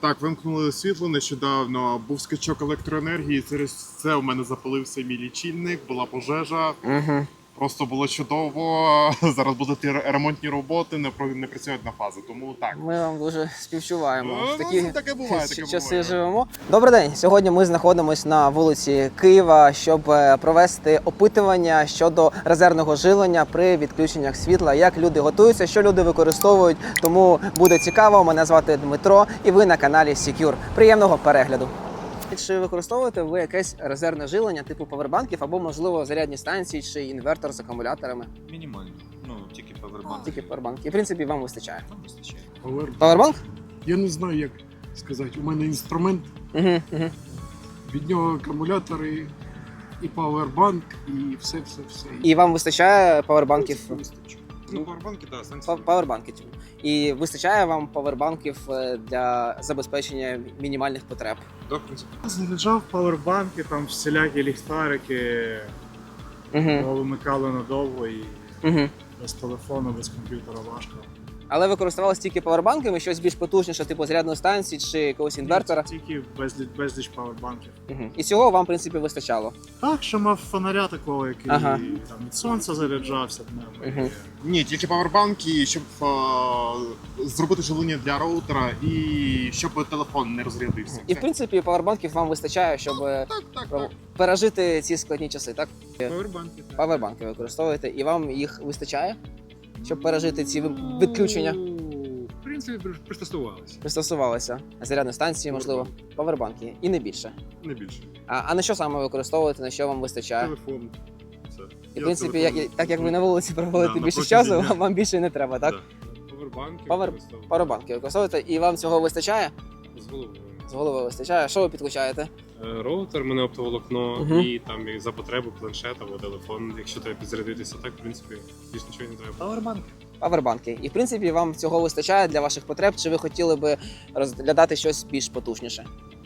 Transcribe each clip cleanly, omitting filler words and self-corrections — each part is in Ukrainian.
Так, вимкнули світло нещодавно, був скачок електроенергії, через це у мене запалився мій лічильник, була пожежа. Угу. Просто було чудово. Зараз будуть ремонтні роботи, не працюють на фази, тому так. Ми вам дуже співчуваємо. В Ну, такі таке буває, таке часи буває. живемо. Добрий день. Сьогодні ми знаходимося на вулиці Києва, щоб провести опитування щодо резервного живлення при відключеннях світла. Як люди готуються, що люди використовують. Тому буде цікаво. Мене звати Дмитро, і ви на каналі Secure. Приємного перегляду. Чи використовуєте ви якесь резервне живлення типу павербанків або, можливо, зарядні станції чи інвертор з акумуляторами? Мінімально. Ну, тільки павербанк. Тільки павербанки. І, в принципі, вам вистачає. Нам вистачає. Павербанк? Я не знаю, як сказати. У мене інструмент, Угу. від нього акумулятори, і павербанк, і все. І вам вистачає павербанків? Вистачить. Ну, павербанки, так, станції. Павербанки. І вистачає вам павербанків для забезпечення мінімальних потреб? Так, в принципі. Заряджав павербанки, там всілякі ліхтарики, Угу. вимикали надовго і Угу. без телефону, без комп'ютера важко. Але ви користувалися тільки павербанками, щось більш потужніше, типу зарядної станції чи якогось інвертора? Тільки безліч павербанків. Угу. І цього вам, в принципі, вистачало? Так, що мав фонаря такого, який Ага. там від сонця заряджався днем. Мгм. Ні, тільки павербанки, щоб зробити живлення для роутера і щоб телефон не розрядився. І, в принципі, павербанків вам вистачає, щоб Так. пережити ці складні часи, так? Павербанки, так. Павербанки використовуєте, і вам їх вистачає, щоб пережити ці відключення? В принципі, пристосувалися. Пристосувалися. Зарядні станції, можливо, павербанки. І не більше. Не більше. А на що саме ви використовуєте, на що вам вистачає? Телефон. Все. І, в принципі, так як ви на вулиці проводите Да, на більше протязі часу, дня. вам більше не треба, так? Павербанки. Павербанки використовуєте, і вам цього вистачає? З головою. З голови вистачає. Що ви підключаєте? Роутер, мене оптоволокно, Мгм. і там і за потребу планшет або телефон, якщо треба підзарядитися, так, в принципі, більш нічого не треба. Павербанки. Павербанки. І, в принципі, вам цього вистачає для ваших потреб, чи ви хотіли би розглядати щось більш потужніше?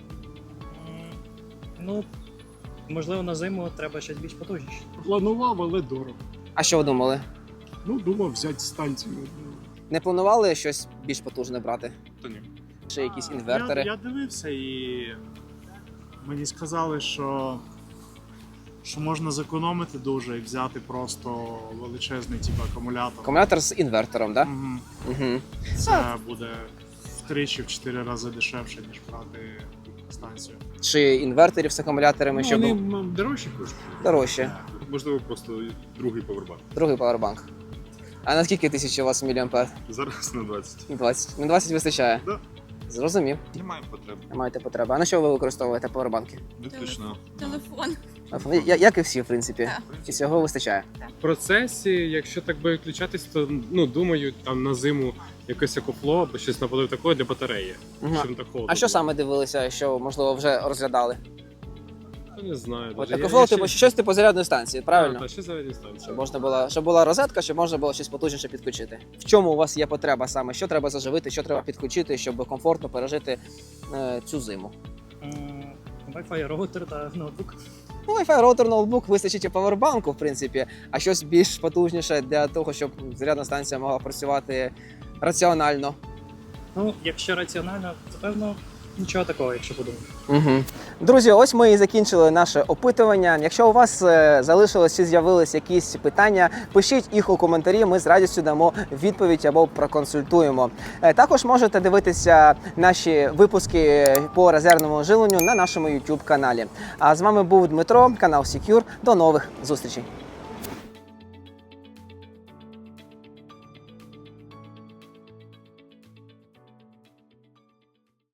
Ну, можливо, на зиму треба щось більш потужніше. Планував, але дорого. А що ви думали? Ну, думав взяти станцію. Не планували щось більш потужне брати? Та ні. Чи якісь інвертори? Я дивився і мені сказали, що можна зекономити дуже і взяти просто величезний акумулятор. Акумулятор з інвертором, так? Мгм. Угу. Це буде втричі, в 4 рази дешевше, ніж брати станцію. Чи інверторів з акумуляторами, Ну, щоб вони був дорожчі коштують. дорожче? Можливо, просто другий павербанк. Другий павербанк. А на скільки тисяч у вас міліампер? Зараз на 20. 20. На 20 вистачає? Да. Зрозумів. Немає потреби. Не маєте потреби. А на що ви використовуєте павербанки? Виключно. Телефон. Як і всі, в принципі. Так. І цього вистачає. В процесі, якщо так би виключатись, то, ну, думаю, там на зиму якесь екофло або щось наподобає такого для батареї, Мгм. щоб не так холодно. А що було. саме дивилися, що, можливо, вже розглядали? Я не знаю. От даже. екофлоу, типу, щось типу зарядної станції, правильно? Так, ще зарядні станції. Щоб була розетка, щоб можна було щось потужніше підключити. В чому у вас є потреба саме? Що треба заживити, що треба підключити, щоб комфортно пережити цю зиму? Wi-Fi, роутер та ноутбук. Ну, Wi-Fi роутер, ноутбук вистачить і павербанку, в принципі, а щось більш потужніше для того, щоб зарядна станція могла працювати раціонально. Ну, якщо раціонально, то певно нічого такого, якщо подумати. Угу. Друзі, ось ми і закінчили наше опитування. Якщо у вас залишилось чи з'явились якісь питання, пишіть їх у коментарі, ми з радістю дамо відповідь або проконсультуємо. Також можете дивитися наші випуски по резервному живленню на нашому YouTube каналі. А з вами був Дмитро, канал Secure. До нових зустрічей!